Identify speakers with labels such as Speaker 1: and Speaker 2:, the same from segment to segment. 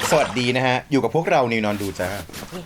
Speaker 1: สวัสดีนะฮะอยู่กับพวกเรานิวนอนดูจ้า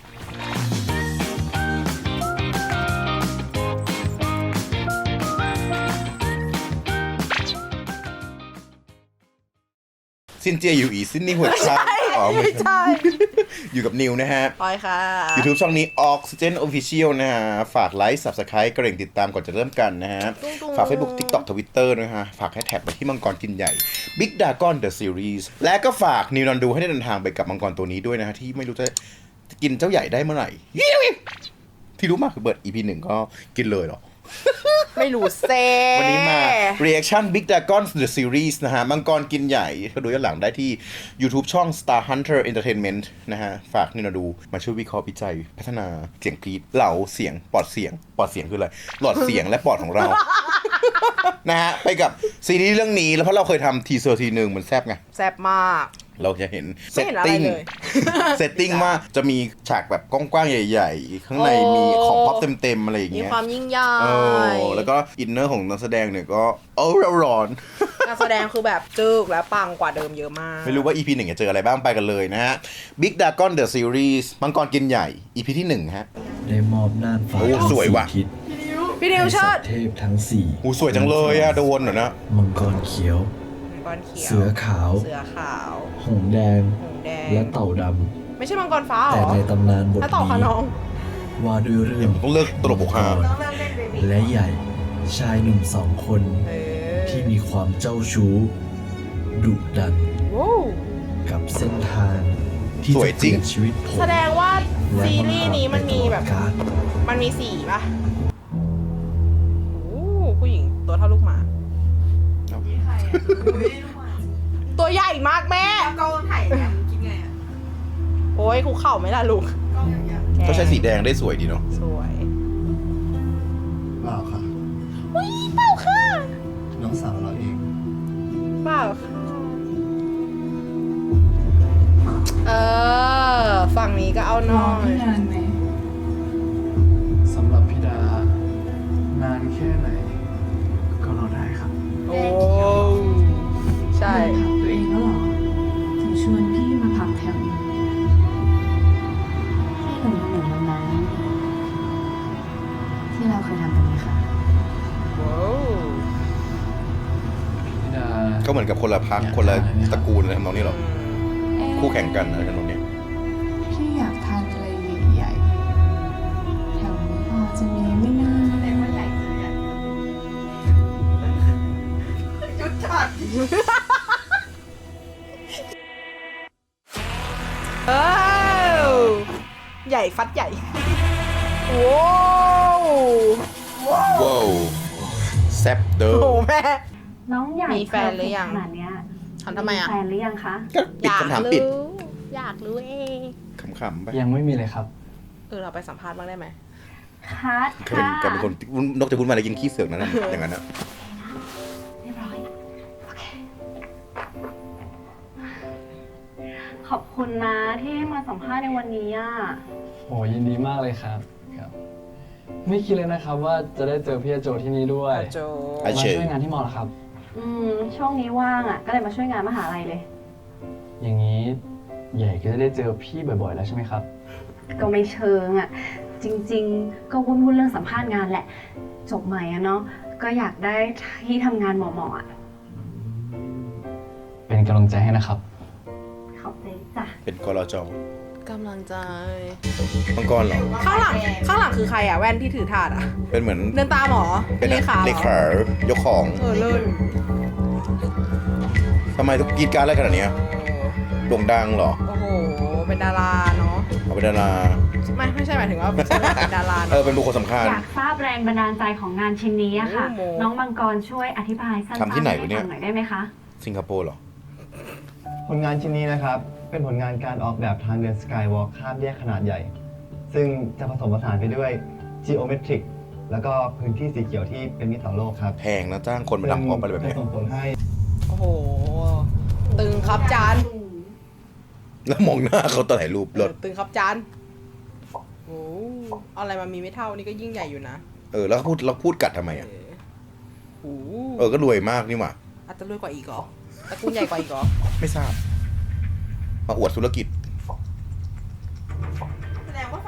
Speaker 1: ซินเจียอยู่อีซินนี่หัวใจ
Speaker 2: ไม่ใช่
Speaker 1: อยู่กับนิวนะฮะ
Speaker 2: ปอยค่ะ
Speaker 1: YouTube ช่องนี้ Oxygen Official นะฮะฝากไลค์ Subscribe กระดิ่งติดตามก่อนจะเริ่มกันนะฮะฝาก Facebook TikTok Twitter นะฮะฝากแฮชแท็กไปที่มังกรกินใหญ่ Big Dragon The Series และก็ฝากนิวนอนดูให้ได้เดินทางไปกับมังกรตัวนี้ด้วยนะฮะที่ไม่รู้จะกินเจ้าใหญ่ได้เมื่อไหร่ที่รู้มากคือเบิร์ด EP 1ก็กินเลยหรอ
Speaker 2: ไม่รู้เซ่
Speaker 1: วันนี้มา reaction Big Dragon The Series นะฮะมังกรกินใหญ่ก็ดูย้อนหลังได้ที่ YouTube ช่อง Star Hunter Entertainment นะฮะฝากนี่มาดูมาช่วยวิเคราะห์วิจัยพัฒนาเสียงกรีดเหล่าเสียงปอดเสียงคืออะไรหลอดเสียงและปอดของเรา นะฮะไปกับซีรีส์เรื่องนี้แล้วเพราะเราเคยทำทีเซอร์ทีหนึ่งมันแซ่บไง
Speaker 2: แซ่บมาก
Speaker 1: เราจะเห็นเซ
Speaker 2: ไม่
Speaker 1: ต
Speaker 2: เห็นอะไร
Speaker 1: ติ้ง
Speaker 2: เลย
Speaker 1: เซตติ้งว่าจะมีฉากแบบกว้างๆใหญ่ๆ ข้างในมีของพ็อปเต็มๆอะไรอย่าง
Speaker 2: มี
Speaker 1: เงี้ย
Speaker 2: ความยิ่งใหญ่
Speaker 1: แล้วก็อินเนอร์ของนักแสดงเนี่ยก็ร้อน
Speaker 2: การแสดงคือแบบจึกและปังกว่าเดิมเยอะมาก
Speaker 1: ไม่รู้ว่า EP 1จะเจออะไรบ้างไปกันเลยนะฮะ Big Dragon The Series มังกรกินใหญ่ EP ที่1ฮะ
Speaker 3: ได้มอบน่านฟ้า
Speaker 1: โอ้สวยว่ะ
Speaker 3: ทิศ
Speaker 2: พี่นิวเชิด
Speaker 3: เทพทั้งสี่
Speaker 1: หูสวยจังเลยอะโดนเหรอนะ
Speaker 3: มังกรเขียว
Speaker 2: มังกรเขียว
Speaker 3: เสือขาว
Speaker 2: เสือขาว
Speaker 3: หงส์แดง
Speaker 2: หงส์แดง
Speaker 3: และเต่าด
Speaker 2: ไม่ใช่มังกรฟ้า
Speaker 3: ำ
Speaker 2: เหร
Speaker 3: แต่
Speaker 2: อ
Speaker 3: ในตำนานบท
Speaker 2: ถ้าต่อค่ะ
Speaker 3: นี้
Speaker 2: น้อง
Speaker 3: ว่าด้วยเรื่อง
Speaker 1: ต้องเลิกตลกปกฮา
Speaker 3: และใหญ่ชายหนุ่มสองคน ที่มีความเจ้าชู้ดุดัน
Speaker 2: ว้าว
Speaker 3: กับเส้นทางที่จะเปลี่ยนชีวิตผม
Speaker 2: แสดงว่า
Speaker 3: และ
Speaker 2: ซีรีส์นี้มันมีแบบ
Speaker 3: ตลอดกาล
Speaker 2: มันมีสีป่ะโอ้ผู้หญิงตัวเท่าลูกหมา ตัวใหญ่มากแม่
Speaker 4: กล้องถ่ายเนี่ยคิดไงอ่ะ
Speaker 2: โอ้ยคุกเข่าไหมล่ะลูก
Speaker 4: กล้องอย่างเงี้ย
Speaker 1: เขาใช้สีแดงได้สวยดีเนาะ
Speaker 2: สวย
Speaker 3: เปล่าค่ะ
Speaker 2: อุ้ยเปล่าค่ะ
Speaker 3: น้องสาวเราเอง
Speaker 2: เปล่าค่ะฝั่งนี้ก็เอาหน่อย
Speaker 4: นานไหม
Speaker 3: สำหรับพี่ดานานแค่ไหน ก็รอได้ครับ
Speaker 2: โอ้ใช่
Speaker 4: ถามตัวเองแล้วเหรอถึงชวนพี่มาพักแถวนี้พี่หนุ่มวันนั้นที่เราเคยทำกันไหมคะ
Speaker 2: ว้าว
Speaker 3: พี่ดา
Speaker 1: ก็เหมือนกับคนละพักคนละตระกูลอะไรทำนองนี้หรอคู่แข่งกันอะไรทำนองนี้
Speaker 4: พี่อยากทานอะไรใหญ่ๆแถวนี้พอจะมีไม่น่าแต่ว่าใหญ่เลยอ่ะจุดจัด
Speaker 2: ใหญ่ฟัดใหญ่ว้าว
Speaker 1: ว้าวแซ่บเด้อ
Speaker 2: โอ้แม่
Speaker 5: น้องใหญ่
Speaker 2: มีแฟนหรือยัง
Speaker 5: ขนาดเนี้ย
Speaker 2: ทำไมอ่ะ
Speaker 5: แฟนหรือยังคะ
Speaker 1: ก็ปิดคำถามปิด
Speaker 2: อยากรู้เอง
Speaker 1: ขำๆไป
Speaker 3: ยังไม่มีเลยครับ
Speaker 2: เราไปสัมภาษณ์บ้างได้ไหม
Speaker 5: คัด
Speaker 1: เคย
Speaker 5: ค่ะ
Speaker 1: เป็นคนนกจะพูดมาอะไรยิงขี้เสือกนั่นนะอย่างนั้นนะ
Speaker 5: เรียบร้อยโอเคขอบคุณนะที่ให้มาสัมภาษณ์ในวันนี้อ่ะ
Speaker 6: โหยินดีมากเลยครับครับ ไม่คิดเลยนะครับว่าจะได้เจอพี่โจที่นี่ด้วย
Speaker 2: โจ
Speaker 1: ไอ
Speaker 6: มา
Speaker 1: เชย
Speaker 6: ช่วยงานที่มอเหรอครับ
Speaker 5: ช่วงนี้ว่างอ่ะ ก็เลยมาช่วยงานมหาลัยเลย
Speaker 6: อย่างนี้ใหญ่ก็จะได้เจอพี่บ่อยๆแล้วใช่ไหมครับ
Speaker 5: ก็ไม่เชิงอ่ะ จริงๆ ก็วุ่นๆเรื่องสัมภาษณ์งานแหละ จบใหม่อะเนาะ ก็อยากได้ที่ทำงานเหมาะๆอะ
Speaker 6: เป็นกำลังใจให้นะครับ
Speaker 5: ขอบใจจ้ะ
Speaker 1: เป็นกรจ
Speaker 2: กำลังใจ
Speaker 1: มังกรเหรอ
Speaker 2: ข้างหลังคือใครอ่ะ แว่นที่ถือถาดอ่ะ
Speaker 1: เป็นเหมือน
Speaker 2: เดินตามหรอ
Speaker 1: เป็น
Speaker 2: เลขาหรอ
Speaker 1: เลขายกของ
Speaker 2: เลิศ
Speaker 1: ทำไมทุกกรีดการอะไรขนาดเนี้ยโด่งดังเหรอ
Speaker 2: โอ้โห เป็นดาราเนาะ
Speaker 1: เอาเป็นดารา
Speaker 2: ไม่ใช่หมายถึงว่าเป็นดารา
Speaker 1: เออเป็นบุคคลสำคัญ
Speaker 5: อยากทราบแรงบันดาลใจของงานชิ้นนี้อะค่ะ
Speaker 2: โอ้โห
Speaker 5: น้องมังกรช่วยอธิบายสั้นๆ
Speaker 1: ทำที่ไหนวะเนี่ย
Speaker 5: ฟังหน่อยได้ไหมคะ
Speaker 1: สิงคโปร์เหรอ
Speaker 6: ผลงานชิ้นนี้นะครับ เป็นผลงานการออกแบบทางเดินสกายวอล์คข้ามแยกขนาดใหญ่ ซึ่งจะผสมผสานไปด้วย geometric แล้วก็พื้นที่สีเขียวที่เป็นมิตรต่อโลกครับ
Speaker 1: แพงนะจ้างคนมาดำพร้อมไปเลยแบบ
Speaker 6: จะ
Speaker 1: เนี้ย
Speaker 6: ส่งผลให้
Speaker 2: โอ้โห ตึงครับจาน
Speaker 1: แล้วมองหน้าเขาตอนถ่ายรูปรถ
Speaker 2: ตึงครับจานโอ้เอาอะไรมามีไม่เท่านี่ก็ยิ่งใหญ่อยู่นะ
Speaker 1: แล้วพูดกัดทำไมอ่ะ
Speaker 2: โอ้
Speaker 1: ก็รวยมากนี่หว่า
Speaker 2: อาจจะรวยกว่าอีกเหรอตระกูลใหญ่กว่าอีกเหรอ
Speaker 1: ไม่ทราบ มาอวดธุรกิจ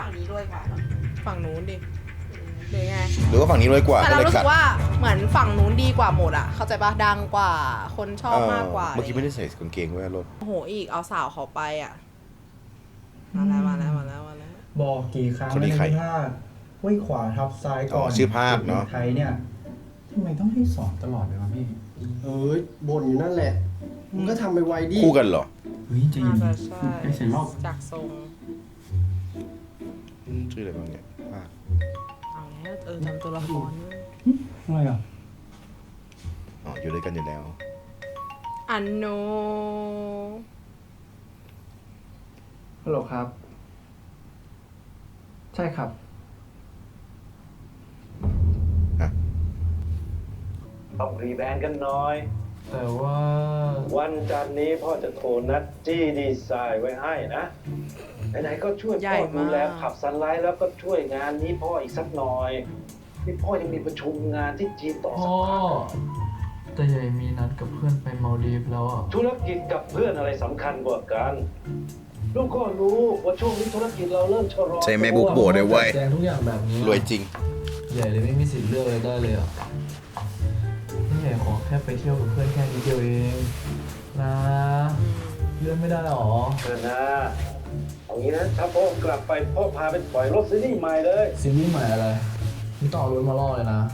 Speaker 2: ฝั่งนี้รวยกว่าฝั่งนู้นดิหรือไง
Speaker 1: หรือว่าฝั่งนี้รวยกว่า
Speaker 2: แต่
Speaker 1: ก็
Speaker 2: เรา
Speaker 1: เลย
Speaker 2: รู้
Speaker 1: ขั
Speaker 2: สึ
Speaker 1: ด
Speaker 2: กว่าเหมือนฝั่งนู้นดีกว่าหมดอ่ะเข้าใจปะดังกว่าคนชอบมากกว่า
Speaker 1: เมื่อกี้ไม่ได้ใส่กางเกงไว้รถ
Speaker 2: โอ้โหอีกเอาสาวเขาไปอ่ะมาแล้วมาแล้วมาแล้วมาแล้ว
Speaker 7: บอกกี่ครั้ง
Speaker 1: คนนี้ใคร
Speaker 7: ภาคห้วยขวาทับซ้ายก่อน
Speaker 1: ชื่อภาคเนอะ
Speaker 7: ไทยเนี่ยทำไมต้องให้สอนตลอดเลยวะพี่
Speaker 8: เอ้ยบ่นอยู่นั่นแหละ มึงก็ทำไปไวดิ
Speaker 1: คู่กันเหรอ
Speaker 7: เฮ้ยจะยิ
Speaker 2: น่าน จะใช่
Speaker 7: ไอ้เสียงรอบ
Speaker 2: จากทรง
Speaker 1: ชื่ออะไรบ้างเนี่ยภาค
Speaker 2: เอาแล้วจำตัวละครด้วย
Speaker 7: อะไรอ่ะ
Speaker 1: อ๋ออยู่ด้วยกันอยู่แล้ว
Speaker 2: อันโน
Speaker 6: ฮัลโหลครับ ใช่ครับ
Speaker 9: ต้องรีแบรนด์กันหน่อย
Speaker 7: แต่ว่า
Speaker 9: วันจันทร์นี้พ่อจะโทรนัดจี้ดีไซน์ไว้ให้นะ ไหนๆก็ช่วย
Speaker 2: ใหญ่
Speaker 9: พ่อดูแล
Speaker 2: มาก
Speaker 9: ขับสไลด์แล้วก็ช่วยงานนี้พ่ออีกสักหน่อย นี่พ่อยังมีประชุมงานที่จีนต่อสักพัก
Speaker 7: แต่ใหญ่มีนัดกับเพื่อนไปมาดีฟแล้วอ่ะ
Speaker 9: ธุรกิจกับเพื่อนอะไรสำคัญกว่ากัน ลูกก็รู้ว่าช่วงนี้ธุรกิจเราเริ่มชะลอ
Speaker 1: ใช่แม่บุ๊กโบได้เว้ย
Speaker 7: แจงทุกอย่างแบบนี้
Speaker 1: รวยจริง
Speaker 7: ใหญ่เลยไม่มีสิทธิ์เลือกอะไรได้เลยอ่ะนี่ใหญ่ขอแค่ไปเที่ยวกับเพื่อนแค่นิดเดียวเองนะเลื่อนไม่ได้หรอ
Speaker 9: เออนะเอางี้นะถ้าพ่อกลับไปพ่อพาไปปล่อยรถซีรีส์ใหม่เลย
Speaker 7: ซีรีส์ใหม่อะไรนี่ต่อรถมาล่อเลยนะ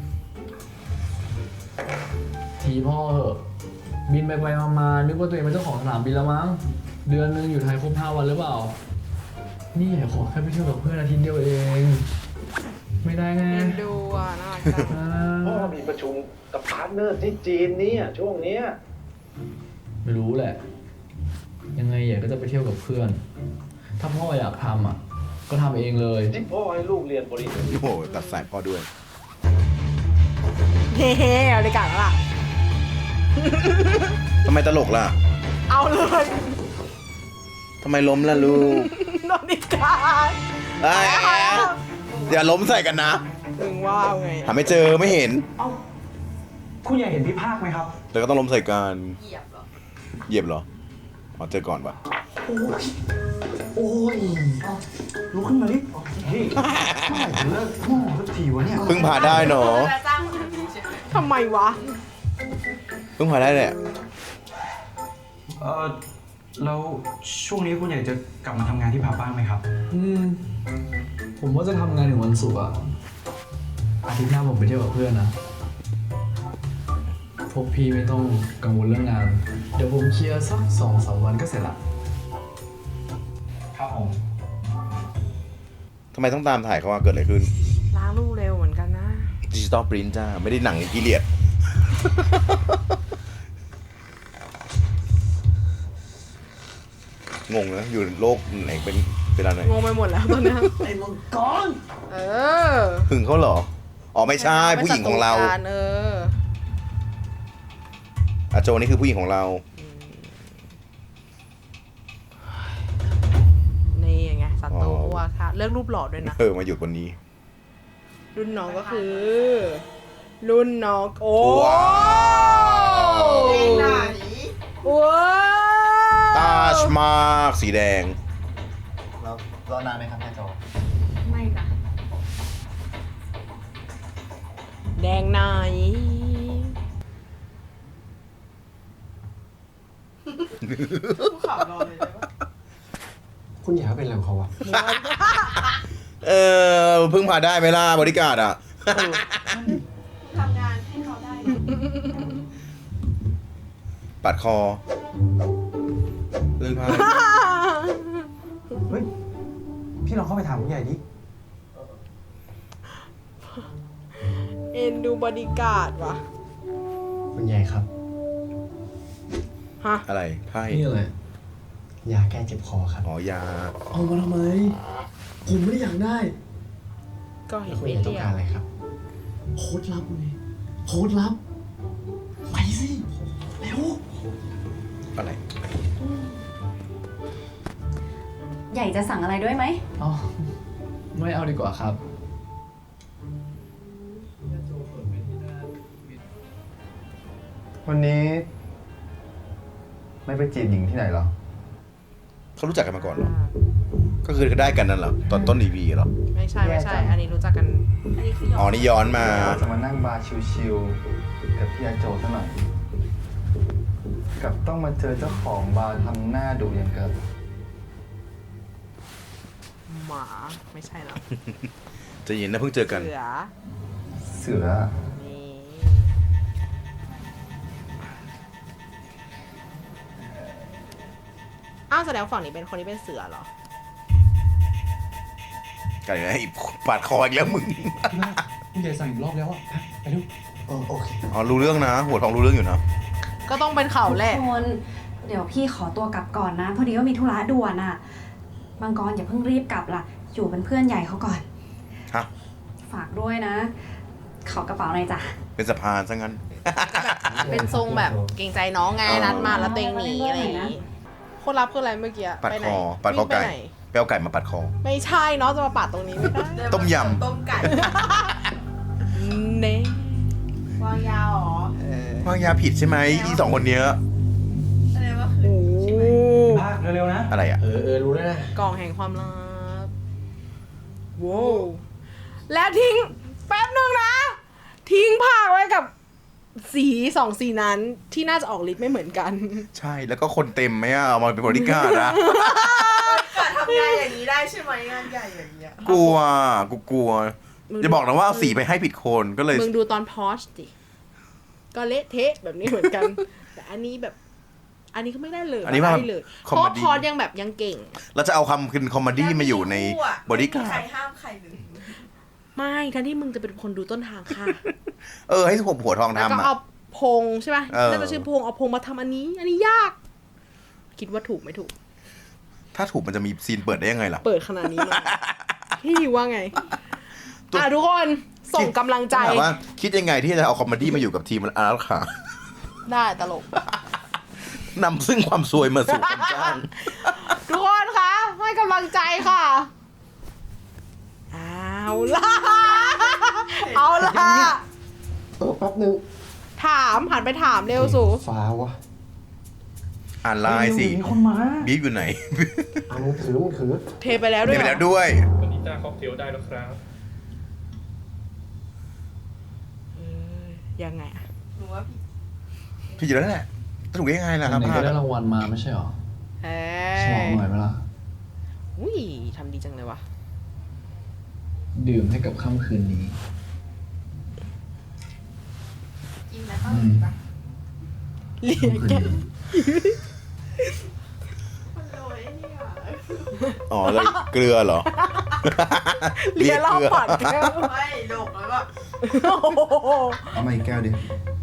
Speaker 7: ทีพ่อเหอะ บินไปมานึกว่าตัวเองเป็นเจ้าของสนามบินแล้วมั้ง เดือนนึงอยู่ไทยครบ5 วันหรือเปล่า นี่ขอแค่ไปเที่ยวกับเพื่อนอาทิตย์เดียวเอง ไม่ได้ไง
Speaker 2: เอ็นดูอ่ะน่ารักจัง
Speaker 9: พ่อมีประชุมกับพาร์ทเนอร์ที่จีนเนี่ยช่วงเนี้ย
Speaker 7: ไม่รู้แหละ ยังไงอยากก็จะไปเที่ยวกับเพื่อน ถ้าพ่ออยากทำอ่ะ ก็ทำเองเลย
Speaker 9: ที่พ่อให้ลูกเรียนบริษัท
Speaker 1: โอ้โหตัดสายพ่อด้วย
Speaker 2: เฮ้เอาเลยกันแล้วล่ะ
Speaker 1: ทำไมตลกล่ะ
Speaker 2: เอาเลย
Speaker 1: ทำไมล้มล่ะลูก
Speaker 2: นอนนิการ
Speaker 1: เอ้ยอย่าล้มใส่กันนะ
Speaker 2: มึงว่าเอาไง
Speaker 1: หาไม่เจอไม่เห็น
Speaker 7: คุณอยากเห็นพี่ภาคไหมครับ
Speaker 1: แล้วก็ต้องล้มใส่กัน
Speaker 2: เหยียบเหรอ
Speaker 1: เหยียบเหรออ๋อเจอก่อนปะ
Speaker 7: โอ้ยลุกขึ้นมาดิเฮ้ยเมื่อไหร่จะเลิกโง่สักทีวะเนี่ย
Speaker 1: เพิ่งผ่าได้เนาะ
Speaker 2: ทำไมวะ
Speaker 1: เพิ่งผ่าได้แหละ
Speaker 10: แล้วช่วงนี้คุณอยากจะกลับมาทำงานที่ผับบ้างไหมครับ
Speaker 7: ผมว่าจะทำงานถึงวันศุกร์อะอาทิตย์หน้าผมไปเที่ยวกับเพื่อนนะ พวกพี่ไม่ต้องกังวลเรื่องงาน เดี๋ยวผมเคลียร์สัก2-3 วันก็เสร็จละ
Speaker 10: ครับผม
Speaker 1: ทำไมต้องตามถ่ายเขาว่าเกิดอะไรขึ้น
Speaker 2: ล้างรูปเร็วเหมือนกันนะ
Speaker 1: ดิจิตอลปรินท์จ้า ไม่ได้หนังกีเลียด งงนะ อยู่โลกไหนเป็นเวลาไหน
Speaker 2: งงไปหมดแล้วตอนเนี้ย
Speaker 8: ไอ้มังกร
Speaker 2: เออ
Speaker 1: หึงเขาเหรอ อ๋อไม่ใช่ผู้หญิงของเรา
Speaker 2: ป็นศัตกัน
Speaker 1: อาโจนี่คือผู้หญิงของเรา
Speaker 2: นี่ไงศัตรูว่าค่ะเลือกรูปหล่อด้วยนะ
Speaker 1: มาหยุดวันนี้
Speaker 2: รุ่นน้องก็คือ รุ่นน้องโอ้
Speaker 1: ว้าว
Speaker 2: ว้าว
Speaker 1: ตาชมากสีแดง
Speaker 6: แล้วรอนานไหมครับแม่โจ
Speaker 5: ไม่จ้ะ
Speaker 2: แดงไหน
Speaker 8: คุณอยากให้เป็นอะไรของเขาวะ
Speaker 1: เพิ่งผ่าได้ไหมล่ะบริการดอ่ะ
Speaker 4: ทำงานให้เขาได้
Speaker 1: ปัดคอเรื่องผ้า
Speaker 10: เฮ้ย พี่ลองเข้าไปถามผู้ใหญ่ดิ
Speaker 2: เอ็นดูบอดี้การ์ดว่ะ
Speaker 6: คุณใหญ่ครับ
Speaker 2: ฮะ
Speaker 1: อะไรไพ่
Speaker 7: นี่อะไร
Speaker 6: ยาแก้เจ็บคอครับ
Speaker 1: อ๋อยา
Speaker 7: เอามาทำไม ผมไม่ได้อยากได้
Speaker 2: ก็เห็น
Speaker 6: คุณ
Speaker 2: ไม่
Speaker 6: ใหญ่ต้อง
Speaker 2: เรีย
Speaker 6: การ
Speaker 2: ก
Speaker 6: อะไรครับ
Speaker 7: โค้ดลับเลยโค้ดลับ ไปสิ เร็ว
Speaker 1: อะไร
Speaker 5: ใหญ่จะสั่งอะไรด้วยไหม
Speaker 7: อ๋อ ไม่เอาดีกว่าครับ
Speaker 6: วันนี้ ไม่ไปจีบหญิงที่ไหนเหรอ
Speaker 1: เขารู้จักกันมาก่อนเหรอ ก็คือได้กันนั่นเหรอตอนต้น EP เหรอ
Speaker 2: ไม่ใช่ อันนี้รู้จักกัน อันนี้คือ
Speaker 1: อ๋อ นี่ย้อนมา
Speaker 6: จะมานั่งบาร์ชิลๆกับพี่อาโจซะหน่อยกับต้องมาเจอเจ้าของบาร์ทำหน้าดุอย่างกับ
Speaker 2: หมา ไม่ใช่หรอ
Speaker 1: จะยินนะเพิ่งเจอกัน
Speaker 2: เสือ
Speaker 6: เสือ
Speaker 2: นี่ อ้าวแสดงฝั่งนี้เป็นคนที่เป็นเสือเหรอ
Speaker 1: กันไงปาดคออีกแล้วมึง
Speaker 10: ผู้ใหญ่สั่งอีกรอบแล้วอ่ะ ไปเร็วโอเค
Speaker 1: อ๋อ รู้เรื่องนะ หัวทองรู้เรื่องอยู่นะ
Speaker 2: ก็ต้องเป็นเขาแหละ
Speaker 5: ทุกคนเดี๋ยวพี่ขอตัวกลับก่อนนะ พอดีว่ามีธุระด่วนอ่ะมังกรอย่าเพิ่งรีบกลับล่ะ อยู่เป็นเพื่อนใหญ่เขาก่อน
Speaker 1: ฮะ
Speaker 5: ฝากด้วยนะ ขอกระเป๋าหน่อยจ้ะ
Speaker 1: เป็นสะพานซะงั้น
Speaker 2: เป็นทรงแบบเกรงใจน้องไง
Speaker 1: อ๋อ
Speaker 2: นัดมาแล้วตัวเองหนีอะไรอย่างงี้คนรับคืออะไรเมื่อกี้
Speaker 1: ปัด
Speaker 2: ไปไห
Speaker 1: คน อ ปัดคอ
Speaker 2: วิ่งไป
Speaker 1: ไก่
Speaker 2: ไหน
Speaker 1: ไปเอาไก่มาปัดคอ
Speaker 2: ไม่ใช่เนาะจะมาปาดตรงนี้ไม่ได้
Speaker 1: ต้มย
Speaker 2: ต้มไก่เน่วางยาหรอ
Speaker 1: วางยาผิดใช่ไหมอีสองคนเนี้ย
Speaker 2: โอ้
Speaker 10: เร็วๆนะ
Speaker 1: อะไรอ่ะ
Speaker 7: รู้แล้วนะ
Speaker 2: กล่องแห่งความลับว้าวและทิ้งแป๊บนึงนะ ทิ้งผักไว้กับสีสองสีนั้นที่น่าจะออกฤทธิ์ไม่เหมือนกัน
Speaker 1: ใช่ แล้วก็คนเต็มไหมอ่ะ เอามาเป็นบริการดนะ
Speaker 2: การทำงานอย่างนี้ได้ใช่ไหมงานใหญ่อย่างเงี้ย
Speaker 1: กลัวอย่าบอกนะว่าเอาสีไปให้ผิดคนก็เลย
Speaker 2: มึงดูตอนพอชดิก็เละเทะแบบนี้เหมือนกัน แต่อันนี้แบบ อันนี้ก็ไม่ได้เลย
Speaker 1: อันนี้ว่า
Speaker 2: ไม่ได้เลย
Speaker 1: คอม
Speaker 2: เพ
Speaker 1: เม
Speaker 2: ราะ
Speaker 1: ดี้
Speaker 2: พอชยังแบบยังเก่ง
Speaker 1: เราจะเอาคำคืนคอมเมดี้มาอยู่ในบริการด
Speaker 2: ไม่ทั้งที่มึงจะเป็นคนดูต้นทางค่ะ
Speaker 1: ให้ผมหัวทอง
Speaker 2: แล้วก็
Speaker 1: ทำ
Speaker 2: เอา
Speaker 1: อ่ะ
Speaker 2: พงใช่ป่ะ น่าจะชื่อพงเอาพงมาทำอันนี้ อันนี้ยาก คิดว่าถูกไม่ถูก
Speaker 1: ถ้าถูกมันจะมีซีนเปิดได้ยังไงล่ะ
Speaker 2: เปิดขนาดนี้เลยพี่ว่าไง ทุกคนส่งกำลังใจ
Speaker 1: ถามว่าคิดยังไงที่จะเอาคอมเมดี้มาอยู่กับทีมอาร์ตค่ะ
Speaker 2: ได้ตลก
Speaker 1: นำซึ่งความซวยมาสู่คนจ้าง
Speaker 2: ทุกคนคะให้กำลังใจค่ะ เอาล่ะ เอาล่ะ
Speaker 8: แป๊บนึง
Speaker 2: ถามหันไปถามเร็วสู
Speaker 8: ฟ้าวะ
Speaker 1: อ่านไลน์สิ
Speaker 10: มีคนมา
Speaker 1: บีฟอยู่ไหน
Speaker 8: เอามือถือ
Speaker 2: เทไปแล้วด้ว
Speaker 1: เดี๋
Speaker 2: ย
Speaker 1: ยวไป
Speaker 2: เหร
Speaker 1: แล้
Speaker 2: อ
Speaker 1: วด้วย
Speaker 11: วันนี้จ้าค็อกเทลได้แล้วครับ
Speaker 2: ยังไงอะ
Speaker 1: พี่อยู่แล้วแหละจะถูกได้ยังไงล่ะครับ
Speaker 7: ไหนก็ได้รางวัลมาไม่ใช่หรอ
Speaker 2: เอ้
Speaker 7: ฉลองหน่อยไหมล่ะ
Speaker 2: อุ้ยทำดีจังเลยวะ
Speaker 7: ดื่มให้กับค่ำคืนนี้
Speaker 2: เรียกแก
Speaker 1: อ๋อแล้วเกลือเหรอ
Speaker 2: เรียกรอบปอดแก้ว
Speaker 4: ไม่ดกแล้วก็
Speaker 2: โอ้โห
Speaker 6: เอามาอีกแก้วดิ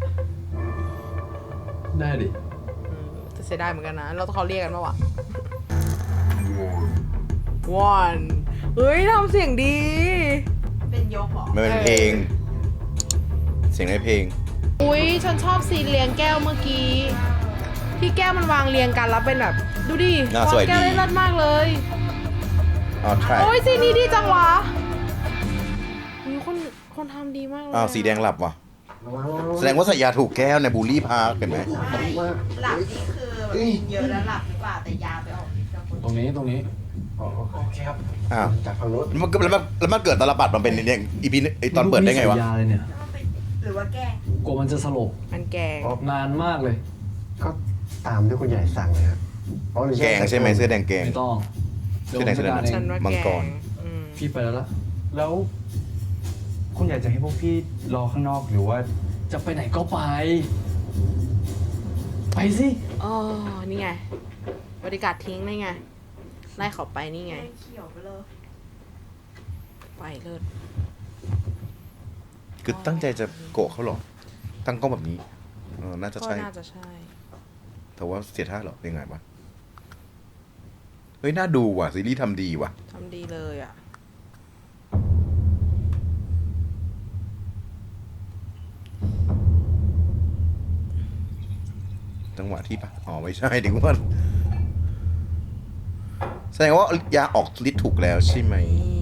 Speaker 7: ได้ดิ
Speaker 2: จะเสียดายเหมือนกันนะ เราต้องเขาเรียกกันปะวะวันเฮ้ยทำเสียงดี
Speaker 4: เป็นยกเหรอ
Speaker 1: มันเป็นเพลง เสียงในเพลง
Speaker 2: อุ้ยฉันชอบซีนเรียงแก้วเมื่อกี้ ที่แก้วมันวางเรียงกันแล้วเป็นแบบ ดูดิ
Speaker 1: น่าว
Speaker 2: า
Speaker 1: ส
Speaker 2: ง
Speaker 1: วยดี
Speaker 2: แก้วได้เลิศมากเลย
Speaker 1: อ๋อใช่
Speaker 2: โอ้ยซีนนี้ดีจังวะอุ๊ยคนทำดีมากเลย
Speaker 1: อ้าวสีแดงหลับว่ะ แสดงว่าใส่ยาถูกแก้วในบูลลี่พาร์คเห็นไหม
Speaker 4: หลับนี่คือแบบกินเยอะแล้วหลับหรือเปล่าแต่ยาไปออกฤทธิ์กับคน
Speaker 7: ตรงนี้
Speaker 8: อ๋อโอเคครับ
Speaker 1: อ้าว
Speaker 8: จากฝั่งโน้น
Speaker 1: แล้วมันเกิดตลปัดมันเป็นเนี่ยอีพีตอนเปิดได้ไงวะ
Speaker 7: ยาเลยเนี่ย
Speaker 4: หรือว่าแกล้ง
Speaker 7: กลัวมันจะสลบ
Speaker 2: มันแกง
Speaker 7: นานมากเลย
Speaker 8: ก็ตามที่คุณใหญ่สั่งเลยครับอ๋อหรือ
Speaker 1: แกงใช่ไหมเสื้อแดงแกง
Speaker 7: ไม่ต้อง
Speaker 1: เสื้อแดง
Speaker 7: เดี๋ยวผมจัดการ
Speaker 2: ฉัน
Speaker 7: เอง
Speaker 2: ว่า
Speaker 1: มัง
Speaker 2: แก
Speaker 1: กร
Speaker 2: งอืม
Speaker 7: พี่ไปแล้วล่ะ
Speaker 10: แล้ว คุณอยากจะให้พวกพี่รอข้างนอกหรือว่า
Speaker 7: จะไปไหนก็ไป ไปสิ
Speaker 2: อ๋อนี่ไง บริการทิ้งนี่ไง ไล่เขาไปนี่ไง
Speaker 4: เขียวไปเลย
Speaker 2: ไปเลิศ
Speaker 1: คือตั้งใจจะโกะเขาเหรอ ตั้งกล้องแบบนี้น่าจะ
Speaker 2: ก็
Speaker 1: ใช่
Speaker 2: น่าจะใช่
Speaker 1: แต่ว่าเสียท่าเหรอยังไงวะ เฮ้ย น่าดูว่ะ ซีรีส์ทำดีว่ะ
Speaker 2: ทำดีเลยอ่ะ
Speaker 1: จังหวะที่ปะอ๋อ ไม่ใช่ถึงว่าแสดงว่ายาออกฤทธิ์ถูกแล้วใช่ไหม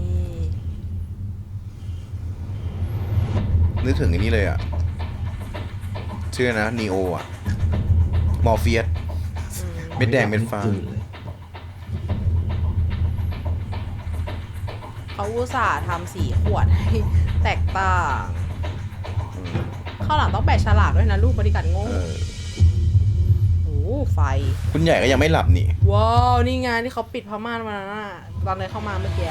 Speaker 1: นึกถึงอันนี้เลยอ่ะ ชื่อนะนีโออ่ะ มอร์เฟียสเม็ดแดงเม็ดฟ้า
Speaker 3: ตื่นเลย
Speaker 2: เขาอุตส่าห์ทำสีขวดให้แตกต่างข้าวหลังต้องแปะฉลากด้วยนะลูกบริการโง่โอ้ไฟ
Speaker 1: คุณใหญ่ก็ยังไม่หลับนี่
Speaker 2: ว้าว นี่ไงที่เขาปิดผ้าม่านมาน่ะตอนเลยเข้ามาเมื่อกี้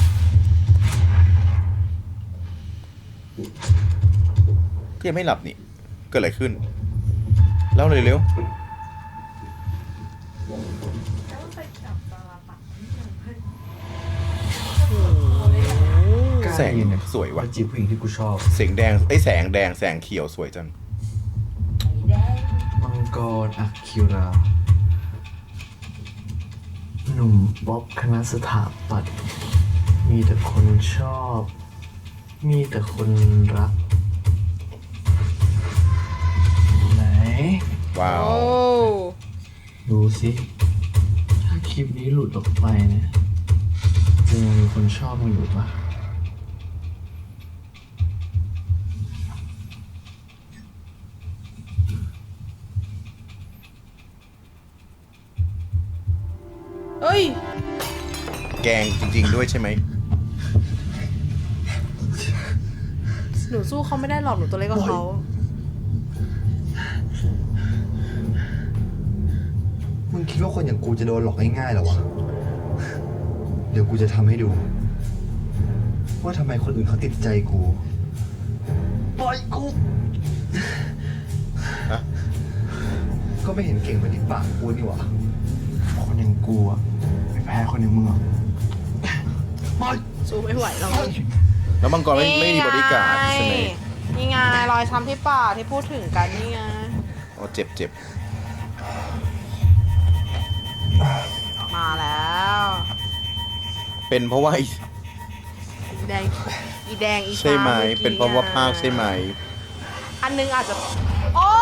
Speaker 1: ก็ยังไม่หลับนี่เกิดอะไรขึ้นเล่าเลยเร็วแสงสวยว่ะ
Speaker 3: จีบผู้หญิงที่กูชอบ
Speaker 1: แสงแดงแสงแดงแสงเขียวสวยจัง
Speaker 3: มังกรอักคิรา หนุ่มบ๊อบคณะสถาปัตย์มีแต่คนชอบ มีแต่คนรัก ไหน
Speaker 1: ว้าว
Speaker 3: ดูสิ ถ้าคลิปนี้หลุดออกไปเนี่ยจะยังมีคนชอบมึงอยู่ปะ
Speaker 2: เอ้ย
Speaker 1: แกงจริงๆด้วยใช่ไหม
Speaker 2: หนูสู้เขาไม่ได้หรอกหนูตัวเล็กกว่าเขา
Speaker 6: มึงคิดว่าคนอย่างกูจะโดนหลอกง่ายๆเหรอวะ เดี๋ยวกูจะทำให้ดู ว่าทำไมคนอื่นเขาติดใจกูปล่อยกู ก็ไม่เห็นเก่งเหมือนที่ปากกูนี่หว่า
Speaker 3: คนอย่างกูอะไม่แพ้คนอย่างมึงหรอก
Speaker 2: สู้ไม่ไหวหรอก
Speaker 1: แล้วมังกรไม่มีบริการดใช่ไหม
Speaker 2: นี่ไงรอยช้ำที่ปากที่พูดถึงกันนี่ไง
Speaker 1: อ๋อเจ็บ
Speaker 2: มาแล้ว
Speaker 1: เป็นเพราะว่า
Speaker 2: แดงอีแดงอี
Speaker 1: ใช่ไหม
Speaker 2: ช้ำ
Speaker 1: เป็นเพราะว่าภาคใช่ไหม
Speaker 2: อันนึงอาจจะโอ้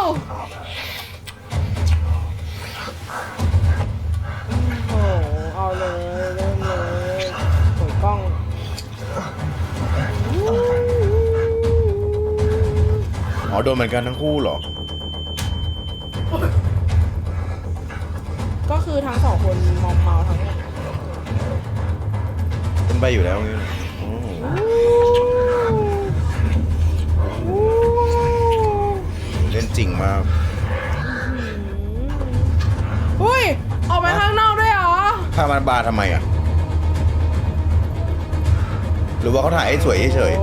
Speaker 2: โหเอาเลยเริ่มเลยโอยกล้อง
Speaker 1: อ๋อโดนเหมือนกันทั้งคู่เหรอ
Speaker 2: ก็คือทั้งสองคนมอมเมาทั้งหมด
Speaker 1: เป็นใบอยู่แล้วงี้โอ้โหเล่นจริงมาก
Speaker 2: อุ้ยออกไปข้างนอกด้วยเหรอ
Speaker 1: พามาบาร์ทำไมอ่ะ หรือว่าเขาถ่ายให้สวยเฉย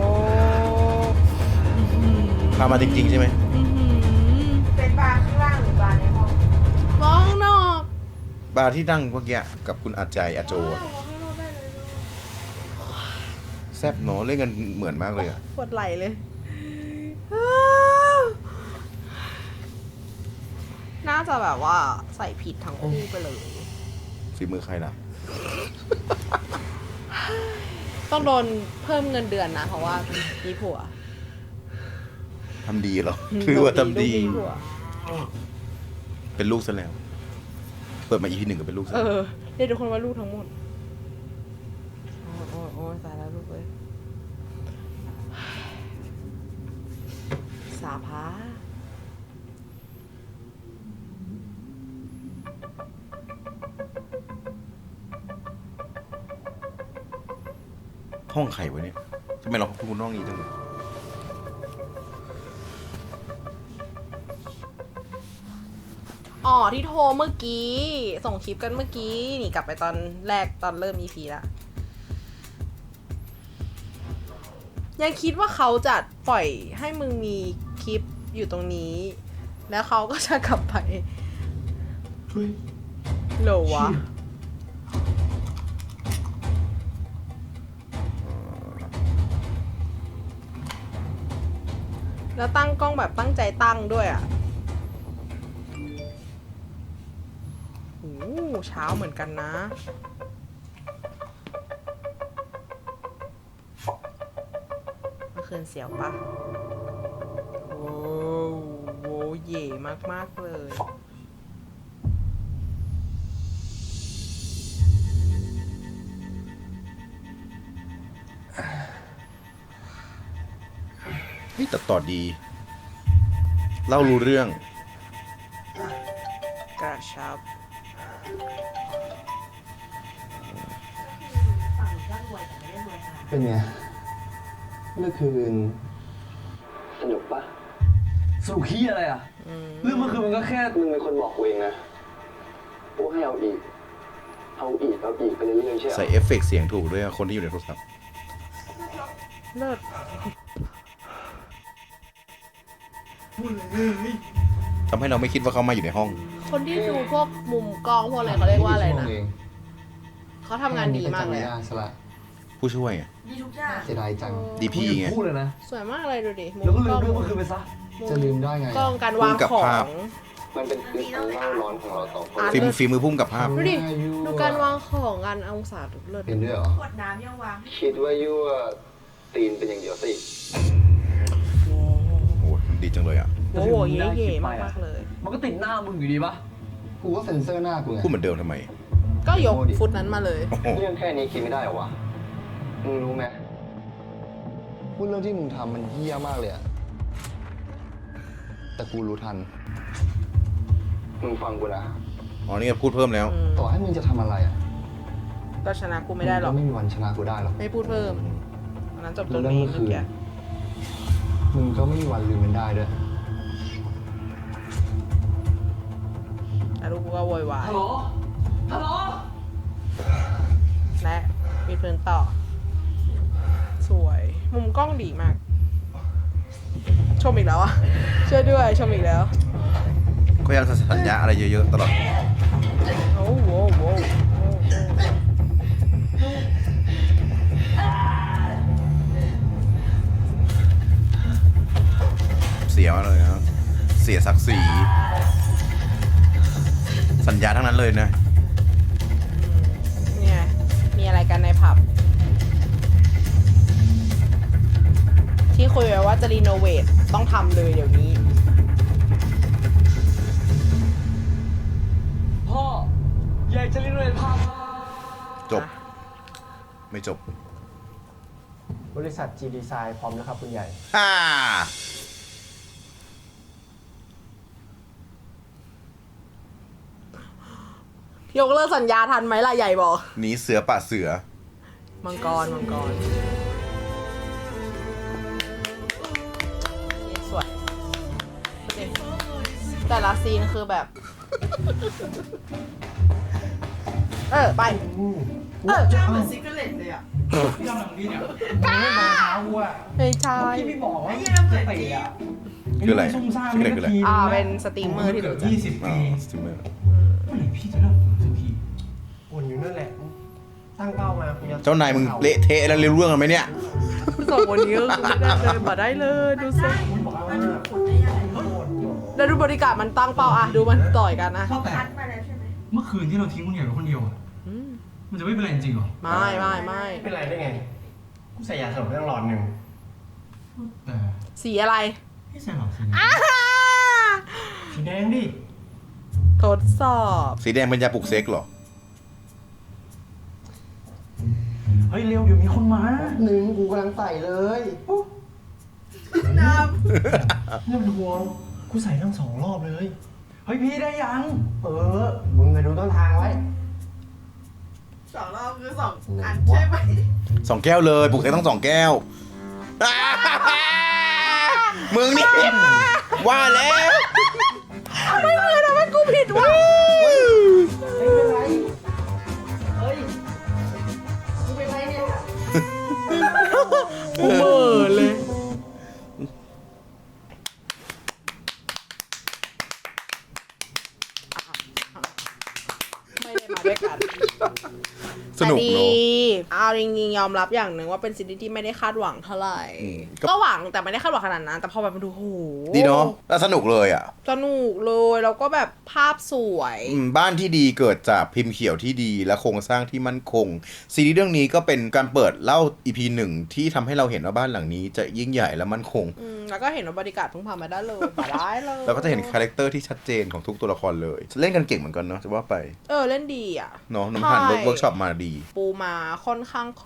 Speaker 1: ๆพามาจริงๆใช่ไหม
Speaker 2: เป็นบาร์ข้างล่างหรือบาร์ในห้องบ้างนอก
Speaker 1: บาร์ที่นั่งเมื่อกี้กับคุณอาจารย์อาโจอะแซ่บเนาะเล่นกันเหมือนมากเลยอ่ะ
Speaker 2: ปวดไหล่เลย น่าจะแบบว่าใส่ผิดทั้งคู่ไปเลย
Speaker 1: ฝีมือใครล่ะ
Speaker 2: ต้องโดนเพิ่มเงินเดือนนะ เพราะว่ามีผัว
Speaker 1: ทำดีเหรอคือว่าทำดี
Speaker 2: ลูกมีผัว
Speaker 1: เป็นลูกซะแล้ว เปิดมาอีพีหนึ่งก็เป็นลูกซะ
Speaker 2: เอ
Speaker 1: แล้ว
Speaker 2: อเรียกทุกคนว่าลูกทั้งหมด โอ้ยตายแล้วลูกเลยสาพา
Speaker 1: ห้องใครวะเนี่ยทำไมเราพูดห้องนี้จังเลย
Speaker 2: อ๋อที่โทรเมื่อกี้ ส่งคลิปกันเมื่อกี้ นี่กลับไปตอนแรกตอนเริ่ม EP ละยังคิดว่าเขาจะปล่อยให้มึงมีคลิปอยู่ตรงนี้ แล้วเขาก็จะกลับไปเหรอวะ แล้วตั้งกล้องแบบตั้งใจตั้งด้วยอ่ะโอ้เช้าเหมือนกันนะ เมื่อคืนเสียวปะโอ้โหเย่มากๆเลย
Speaker 1: เฮ้ยตัดต่อดี เล่ารู้เรื่อง
Speaker 2: กระชับ
Speaker 1: อ
Speaker 6: เป็นไง เมื่อคืน สนุกปะ
Speaker 7: สรุปขี้อะไรอ่ะ เรื่องเมื่อคืนมันก็แค่
Speaker 6: มึงเป็นคนบอกกูเองนะกูให้เอาอีกไปเรื่อยๆใช่ไหม
Speaker 1: ใส่เอฟเฟกต์เสียงถูกด้วยอะคนที่อยู่ในโทรศัพท์
Speaker 2: เลิศ
Speaker 1: ทำให้เราไม่คิดว่าเขามาอยู่ในห้อง
Speaker 2: คนที่ดูพวกมุมกล้องพวกอะไรเขาเรียกว่าอะไรนะเขาทำงานดีมากเลยอะ
Speaker 6: สละ
Speaker 1: ผู้ช่วยอะ
Speaker 2: ดีทุกอย่าง
Speaker 6: เสียดายจัง
Speaker 1: DP ไง
Speaker 7: พูดเลยนะ
Speaker 2: สวยมากเลยดูดิมุม
Speaker 7: แล้วก็
Speaker 2: ก
Speaker 7: ลื
Speaker 2: ล้
Speaker 7: ม
Speaker 2: อง
Speaker 7: เรื่องเมื่อคืนไปซะ
Speaker 6: จะลืมได้ไง
Speaker 2: กล้องการวาง
Speaker 1: มุมกับ
Speaker 2: ขอ
Speaker 1: ภาพ
Speaker 2: ง
Speaker 6: มันเป็นคืนอันเล่าร้อนของเราสองคน
Speaker 2: อ่ะ
Speaker 1: ฝีมือพุ่มกับภาพ
Speaker 2: ดูดิ ดูการวางของกันองศาเลิศ
Speaker 6: เป็นด้วยเหรอ
Speaker 2: ขวดน้ำยังวาง
Speaker 6: คิดว่ายั่วตีนเป็นอย่างเดียวสิ
Speaker 1: โอ้ดีจังเลยอ่ะ
Speaker 2: โอ้โหเย่ๆมากๆเลย
Speaker 7: มันก็ติดหน้ามึงอยู่ดีปะ
Speaker 6: กูก็เซ็นเซอร์หน้ากูไง
Speaker 1: พูดเหมือนเดิมทำไม
Speaker 2: ก็ยกฟุตนั้นมาเลย
Speaker 1: โอ้โห
Speaker 6: เรื่องแค่นี้คิดไม่ได้เหรอวะ มึงรู้ไหมพูดเรื่องที่มึงทำมันเหี้ยมากเลยอะแต่กูรู้ทัน มึงฟังกูนะ
Speaker 1: อ๋อนี่พูดเพิ่มแล้ว
Speaker 6: ต่อให้มึงจะทำอะไรอะ
Speaker 2: ก็ชนะกูไม่ได้หรอก
Speaker 6: งไม่มีวันชนะกูได้หรอก
Speaker 2: ไม่พูดเพิ่มอันนั้นจบตร
Speaker 6: แล้ว
Speaker 2: ง
Speaker 6: เรื่อง
Speaker 2: นี้
Speaker 6: เมื่อคืน
Speaker 2: เมื่อกี้
Speaker 6: มึงก็ไม่มีวันลืมมันได้ด้วย
Speaker 2: แต่ลูกกูก็โวยวาย
Speaker 7: ฮัลโหล ฮัลโหล
Speaker 2: และมีเพลินต่อ สวย มุมกล้องดีมาก ชมอีกแล้วอ่ะช่วยด้วยชมอีกแล้ว
Speaker 1: ก็ยังสัญญาอะไรเยอะๆตลอด
Speaker 2: โอ้โหโว้ว
Speaker 1: เสียมาเลยนะเสียศักดิ์ศรีสัญญาทั้งนั้นเลยนะ
Speaker 2: เนี่ยมีอะไรกันในผับ ที่คุยไว้ว่าจะรีโนเวทต้องทำเลยเดี๋ยวนี้
Speaker 7: พ่อ อยากจะรีโนเวทภาพ
Speaker 1: จบ ไม่จบ
Speaker 10: บริษัท G Design พร้อมนะครับคุณใหญ่
Speaker 1: ฮ่า
Speaker 2: ยกเลิกสัญญาทันไหมล่ะใหญ่บอก
Speaker 1: หนีเสือป่าเสือ
Speaker 2: มังกรสวยแต่ละซีนคือแบบ ไป
Speaker 10: เหมือนซิกเกอร์เลตเลยอ่ะพี่ทำหนังดีเนี่ยไม่มาเท้ากูอ่ะ
Speaker 2: ไม่ใช่
Speaker 10: พี่ไม่บอกว่าจะเตะอ่ะ
Speaker 1: คืออะไร
Speaker 10: ซุ่มซ่าม
Speaker 1: คืออะไร
Speaker 2: เป็นสตรีมเมอร์ที่รู้จัก
Speaker 1: อ๋อสตรีมเมอร์
Speaker 10: เมื่อไหร่พี่จะเลิกสักทีวนอยู่นั่นแหละ ตั้งเป้ามาคุณจะ
Speaker 1: เจ้านายมึงเละเทะแล้วเรื่องกันไหมเนี่ย
Speaker 2: สองคนนี้ก็คือไม่ได้เลยมาได้เลยดูสิแล้วดูบริการมันตั้งเป้าอะดูมันต่อยกันนะ
Speaker 10: แต่เมื่อคืนที่เราทิ้งคุณใหญ่ไว้คนเดียวอ่ะมันจะไม่เป็นไรจริงเหรอ
Speaker 2: ไม่
Speaker 10: เป็นไรได้ไงกูใส่ยาสลบไปตั้งหลอดหนึ่งแต่
Speaker 2: สีอะไร
Speaker 10: ไม่ใส่หรอกสีแดงดิ
Speaker 2: ทดสอบ
Speaker 1: สีแดงเป็นยาปลุกเซ็กเหรอ
Speaker 10: เฮ้ยเร็วเดี๋ยวมีคนมา
Speaker 6: หนึ่งกูกำลังใส่เลย
Speaker 10: น้ำเนี่ยเป็นห่วงกูใส่ทั้ง2 รอบเลย เฮ้ยพี่ได้ยัง มึงไปดูต้นทางไว้
Speaker 2: 2 รอบคือ2 อันใช่ไหม
Speaker 1: 2 แก้วเลยปลุกเซ็กต้อง2 แก้ว มึงนี่ว่าแล้ว
Speaker 2: ไม่เคยทำให้กูผิดว่ะ
Speaker 10: ไม่เป็นไร เฮ้ยกูเป็นไรเนี่ย
Speaker 2: กูเบื่อเลย ไม่ได้มาด้วยกัน
Speaker 1: สนุก
Speaker 2: แต่
Speaker 1: เน
Speaker 2: ดี
Speaker 1: อะ
Speaker 2: เอาจริงๆยอมรับอย่างหนึ่งว่าเป็นซีรีส์ที่ไม่ได้คาดหวังเท่าไหร่
Speaker 1: ก็
Speaker 2: ก็หวังแต่ไม่ได้คาดหวังขนาดนั้น แต่พอแบบมาดูโห
Speaker 1: ดีเนาะแล้วสนุกเลยอ่ะ
Speaker 2: สนุกเลยแล้วก็แบบภาพสวย
Speaker 1: บ้านที่ดีเกิดจากพิมพ์เขียวที่ดีและโครงสร้างที่มั่นคง ซีรีส์เรื่องนี้ก็เป็นการเปิดเล่า EP 1 ที่ทำให้เราเห็นว่าบ้านหลังนี้จะยิ่งใหญ่และมั่นคง
Speaker 2: แล้วก็เห็นว่าบริการเพิ่งพามาได้เลยมาได้เลย
Speaker 1: แล้วก็จะเห็นคาแรคเตอร์ที่ชัดเจนของทุกตัวละครเลย เล่นกันเก่งเหมือนกันเนาะจะว่าไป
Speaker 2: เล่นดีอ่ะ
Speaker 1: เนาะน้ำหัน
Speaker 2: ใช่
Speaker 1: เวิร์กช็อปมาดี
Speaker 2: ปูมาค่อนข้างครบ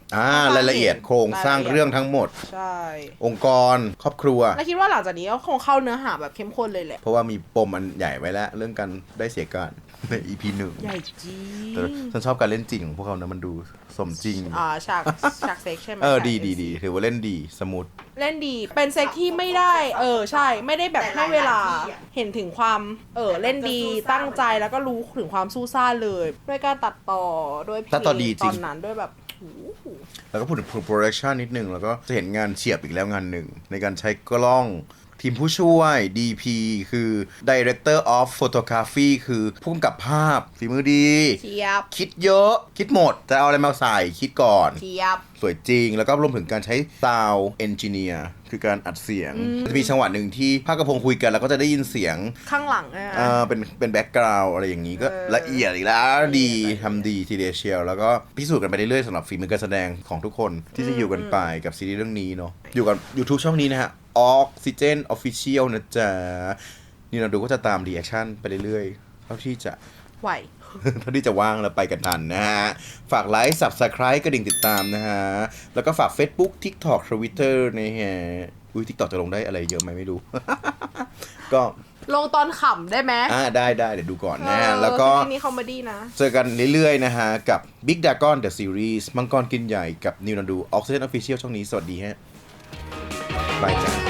Speaker 1: รายละเอียดโครงสร้างเรื่องทั้งหมด
Speaker 2: ใช่
Speaker 1: องค์กรครอบครัว
Speaker 2: แล้วคิดว่าหลังจากนี้ก็คงเข้าเนื้อหาแบบเข้มข้นเลยแหละ
Speaker 1: เพราะว่ามีปมอันใหญ่ไว้แล้ว เรื่องการได้เสียการใน EP 1
Speaker 2: ใหญ่จริง
Speaker 1: แต่ฉันชอบการเล่นจริงของพวกเขานะมันดูสมจริง
Speaker 2: ฉากเซ็กใช่ไหม
Speaker 1: ดีถือว่าเล่นดีสมูท
Speaker 2: เล่นดีเป็นเซ็กที่ไม่ได้ใช่ไม่ได้แบบให้เวลาเห็นถึงความเล่นดีตั้งใจแล้วก็รู้ถึงความสู้ซ่าเลยด้วยการตัดต่อด้วยเพล
Speaker 1: ตัดต่อดี
Speaker 2: ง
Speaker 1: จริ
Speaker 2: ตอง นนั้นด้วยแบบโอ้โห
Speaker 1: แล้วก็พูดถึง production นิดนึง แล้วก็จะเห็นงานเฉียบอีกแล้วงานหนึ่ง ในการใช้กล้องทีมผู้ช่วย DP คือ Director of Photography คือผู้กำกับภาพฝีมือดี
Speaker 2: เทียบ
Speaker 1: คิดเยอะคิดหมด จะเอาอะไรมาใส่คิดก่อน
Speaker 2: เทียบ
Speaker 1: สวยจริง แล้วก็รวมถึงการใช้ Sound Engineer คือการอัดเสียง จะมีจังหวะหนึ่งที่ภาคกระพงคุยกัน แล้วก็จะได้ยินเสียง
Speaker 2: ข้างหลัง
Speaker 1: เป็นแบ็กกราวด์อะไรอย่างนี้ก็ละเอียดอีกแล้วดีทำดีทีเดียวเชียวแล้วก็พิสูจน์กันไปเรื่อยๆสำหรับฝีมือการแสดงของทุกคนที่จะอยู่กันไปกับซีรีส์เรื่องนี้เนาะอยู่กับ YouTube ช่องนี้นะฮะ Oxygen Official นะจ๊ะนี่เราดูก็จะตามรีแอคชั่นไปเรื่อยๆเท่าที่จะ
Speaker 2: ไหว
Speaker 1: เท่าที่จะว่างแล้วไปกันทันนะฮะ ฝากไลค์ Subscribe กระดิ่งติดตามนะฮะ แล้วก็ฝาก Facebook TikTok Twitter นะฮะอุ้ย TikTok จะลงได้อะไรเยอะไหมไม่รู้ ก็
Speaker 2: ลงตอนขำได้ไหม
Speaker 1: ได้เดี๋ยวดูก่อนนะฮะแล้วก็
Speaker 2: ซีรีส์นี้คอมเมดี้นะ
Speaker 1: เจอกันเรื่อยๆนะฮะ กับ Big Dragon The Series มังกรกินใหญ่กับนิวนันดู Oxygen Official ช่องนี้สวัสดีฮะบายจ้า